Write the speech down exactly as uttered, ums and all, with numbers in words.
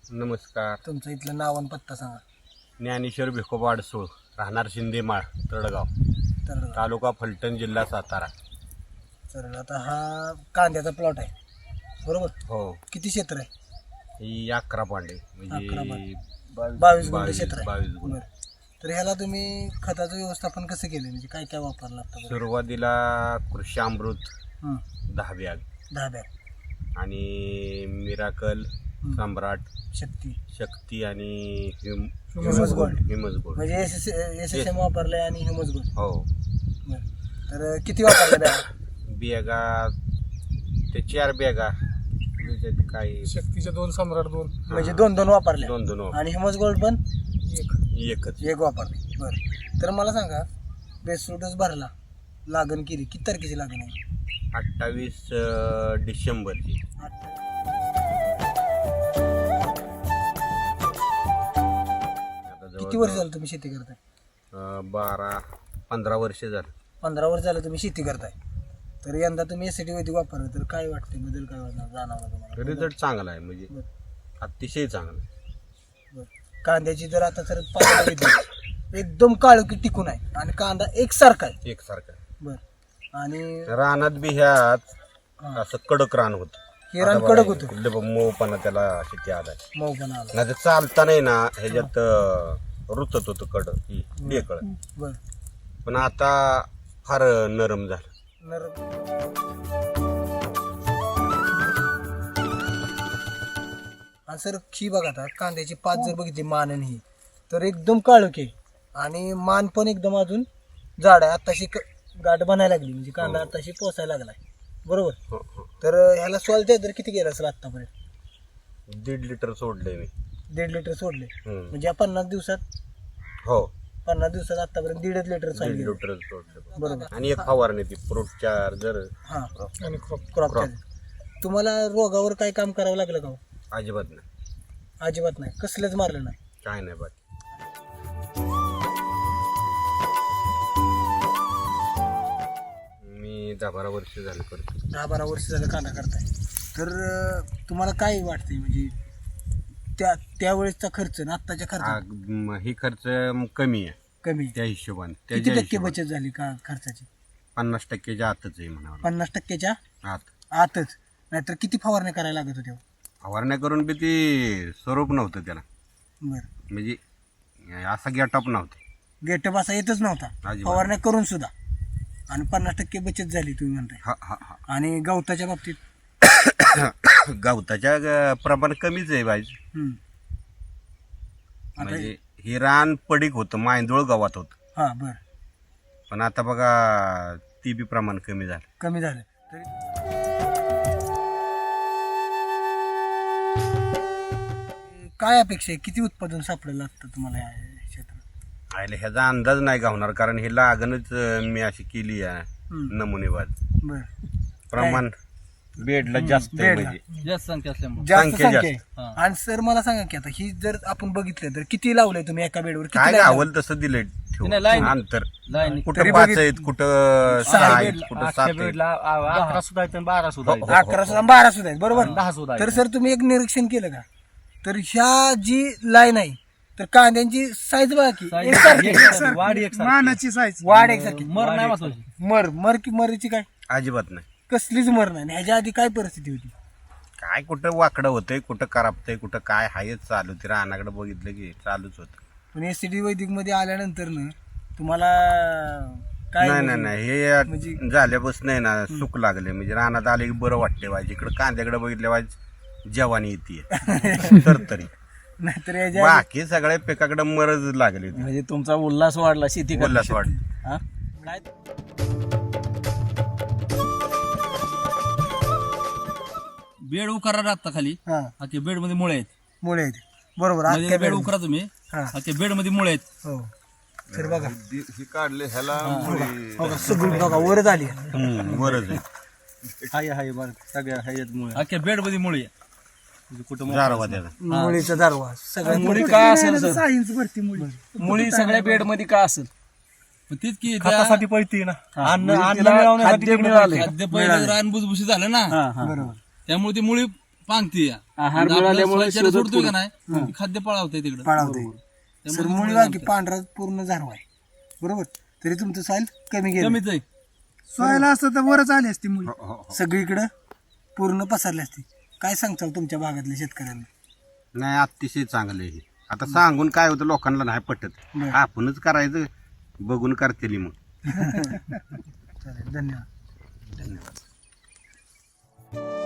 नमस्कार. तुमचं इथलं नाव आणि पत्ता सांगा. ज्ञानेश्वर भिकोबा अडसूळ, राहणार शिंदेमाळ, तळगाव, तर तालुका फलटण, जिल्हा सातारा. तर आता हा कांद्याचा प्लॉट आहे बरोबर. हो, किती क्षेत्र आहे? ही अकरा पांडे अकरा म्हणजे बावीस गुंठे बावीस क्षेत्र आहे. बावीस गुंठे. बरं. तर ह्याला तुम्ही खताचं व्यवस्थापन कसं केलं, म्हणजे काय काय वापरलं आता? सुरुवातीला कृषी अमृत हं, दहा बॅग दहा बॅग आणि मिराकल, हं. सम्राट, शक्ती शक्ती आणि ह्युम ह्युमस गोल्ड. Humus gold. म्हणजे S S S S M वापरलंय आणि ह्युमस गोल्ड. हो, बरं. तर किती वापरलं बॅग? बॅगा ते चार बॅगा त्याच्यात काही शक्तीच्या दोन, सम्राट दोन, म्हणजे दोन दोन वापरले दोन दोन वापर- आणि ह्युमस गोल्ड पण एक. एकच. एक वापरले. बरं. तर मला सांगा, बेस्ट डोस भरला, लागण केली, किती तारखेची लागण आहे? अठ्ठावीस अं, डिसेंबरची. आता किती जवळ- वर्ष झालं तुम्ही शेती करताय? अं, बारा पंधरा वर्ष झालं. पंधरा वर्ष झालं तुम्ही शेती करताय. तर यंदा तुम्ही एस टी वैदिक वापरलं, तर काय वाटतंय, बदल काय वाटणार जाणवला तुम्हाला? रिझल्ट चांगला आहे, म्हणजे बरं. अतिशय चांगला आहे. बरं. कांद्याची जर आता तर पाहिलं गेलं, एकदम काळोखी टिकून आहे आणि कांदा एकसारखा आहे. एकसारखा आहे. बरं. आणि रानात बी ह्यात हा, असं कडक रान होत. हे रान कडक होतं, मऊपणा त्याला शेती आला. मऊ पण आला. नाही तर चालता नाही ना ह्याच्यात अं, रुतत होतं कड ही ढेकळ. बरं. पण आता फार नरम झालं. नर आणि सर ही बघा, आता कांद्याची पात जर बघितली मान आणि ही, तर एकदम काळोखी आहे आणि मान पण एकदम अजून जाड आहे. आताशी क- गाठ बनायला लागली, म्हणजे कांदा हो. आताशी पोसायला लागलाय बरोबर. हो, हो. तर ह्याला सॉल्ट तर किती गेलं असेल आतापर्यंत? दीड लिटर सोडलंय मी. दीड लिटर सोडले, हम्म. म्हणजे या पन्नास दिवसात हो, पन्नास दिवसात आतापर्यंत दीडच लिटर दीड सॉइल लिटर सोडलं. बरोबर. आणि एक फवारणी ती फ्रूट चार्जर. हा, आणि क्रॉप. Crop Crop. तुम्हाला रोगावर काय काम करावं लागलं का हो? अजिबात नाही, अजिबात नाही, कसलंच मारलं नाही. काय नाही बाकी. मी दहा बारा वर्ष झालं करतो. दहा बारा वर्ष झालं कांदा करताय. तर अं, तुम्हाला काय वाटतंय, म्हणजे त्या त्यावेळेसचा खर्च आणि आत्ताच्या हा, खर्च म, ही खर्च म, कमी आहे कमी? त्या हिशोबाने. किती त्याच्या टक्के हिशोबाने बचत झाली का खर्चाची? पन्नास टक्केच्या आतच आहे म्हणावं. पन्नास टक्क्याच्या आत आतच. नाहीतर किती फवारण्या करायला लागत होत्या? फवारण्या करून बी ते स्वरूप नव्हतं त्याला, बरं. म्हणजे असा गेटअप नव्हता. गेटअप असा येतच नव्हता अजिबात. फवारण्या करून सुद्धा, आणि पन्नास टक्के बचत झाली तुम्ही म्हणताय. हा हा हा आणि गवताच्या बाबतीत? गवताच्या ग- प्रमाण कमीच आहे बाई. हम्म. आता म्हणजे हे रान पडीक होतं, मांदूळ गावात होतं. हा, बरं. पण आता बघा ती बी प्रमाण कमी झालं. कमी झालं. तरी काय अपेक्षा आहे, किती उत्पादन सापडायला लागतं तुम्हाला या क्षेत्रात? आयला ह्याचा अंदाज नाही गावणार, कारण हे लागणच अं, मी अशी केली आहे हम्म. नमुनेवाद. बरं. प्रमाण बेडला जास्त आहे, बेडला. म्हणजे जास्त संख्या असल्यामुळे जास्त संख्या संख्या जास्त. आहे. आणि सर मला सांगा की आता ही जर आपण बघितलं तर किती लावलंय तुम्ही एका बेडवर? किती काय लावलंय? गावल तसं दिलंय ठेवून. नाही, line. अंतर लाईन तरी कुठं पाच बघित- आहेत, कुठं सहा सहा आहेत, बेडला- कुठं सात आहेत. अकरा सुद्धा आहेत आणि बारा सुद्धा आहेत. अकरा सुद्धा बारा सुद्धा आहेत बरोबर. दहा सुद्धा आहेत. तर सर तुम्ही एक निरीक्षण केलं का, तर ह्या जी लाईन आहे तर कांद्यांची साईज बघा की Size एकसारखी. एकसारखी, वाढ एकसारखी. मानाची साईज वाढ एकसारखी. मर नाही महत्वाची. मर मर की मरीची काय अजिबात नाही. कसलीच मर नाही. आणि ह्याच्या आधी काय परिस्थिती होती? काय कुठं वाकडं होतंय, कुठं करापतंय, कुठं काय हायच चालू. ते रानाकडे बघितलं की चालूच होतं. पण एस सी डी वैदिक मध्ये आल्यानंतर ना तुम्हाला काय नाही नाही नाही हे म्हणजे- झाल्यापासून नाही ना सुख लागले, म्हणजे रानात आले की बरं वाटते वाईज. इकडं कांद्याकडे बघितल्या वाईज जवानी येते तर तरी नाहीतर ह्याच्या बाकी सगळ्या पिकाकडे मरज लागली होती. म्हणजे तुमचा उल्हास वाढला शेती उल्हास वाट. हा? काय बेड उकरा राहता खाली, हा अख्खे बेड मध्ये मुळे आहेत. मुळे आहेत बरोबर. मध्ये अख्ख्या बेड बेड उकरा तुम्ही, हा अख्खे बेड मध्ये मुळे आहेत. हो. तर बघा ही काढले ह्याला बघा सगळी बघा वरच आली. मरज आहे. हाय हाय बघ सगळ्या ह्याच्यात मुळे, अख्ख्या बेड मध्ये मुळे आहे. म्हणजे कुठं जारवा त्याचा. मुळीचा दारवा सगळ्या मुळी काय असेल सर? सायन्स भरती मुळी. मुळी सगळ्या बेड मध्ये का असेल? तीच की खतासाठी पळती ना, अन्न अन्न तिला मिळवण्यासाठी खाद्य तिकडे मिळाले. पळते. खाद्य पहिलं रान बुजबुशी झालं ना, बरोबर. त्यामुळे ती मुळी पांगती आहार मिळाल्यामुळे शोधत सोडतोय का पुढं. नाही ती खाद्य पळावतंय तिकडे पाळावते सर मुळी बाकी पांढरा पूर्ण झारवा आहे बरोबर तरी तुमचं साईल कमी गेलं कमीच आहे. सोयाला असतं तर वरच आली असती मुली हो, हो, हो. सगळीकडं पूर्ण पसरली असते काय सांगताल तुमच्या भागातल्या शेतकऱ्यांना नाही अतिशय चांगलं आहे हे. आता सांगून काय होतं लोकांना नाही पटत बरं. आपणच करायचं बघून करतेली मग चालेल धन्यवाद धन्यवाद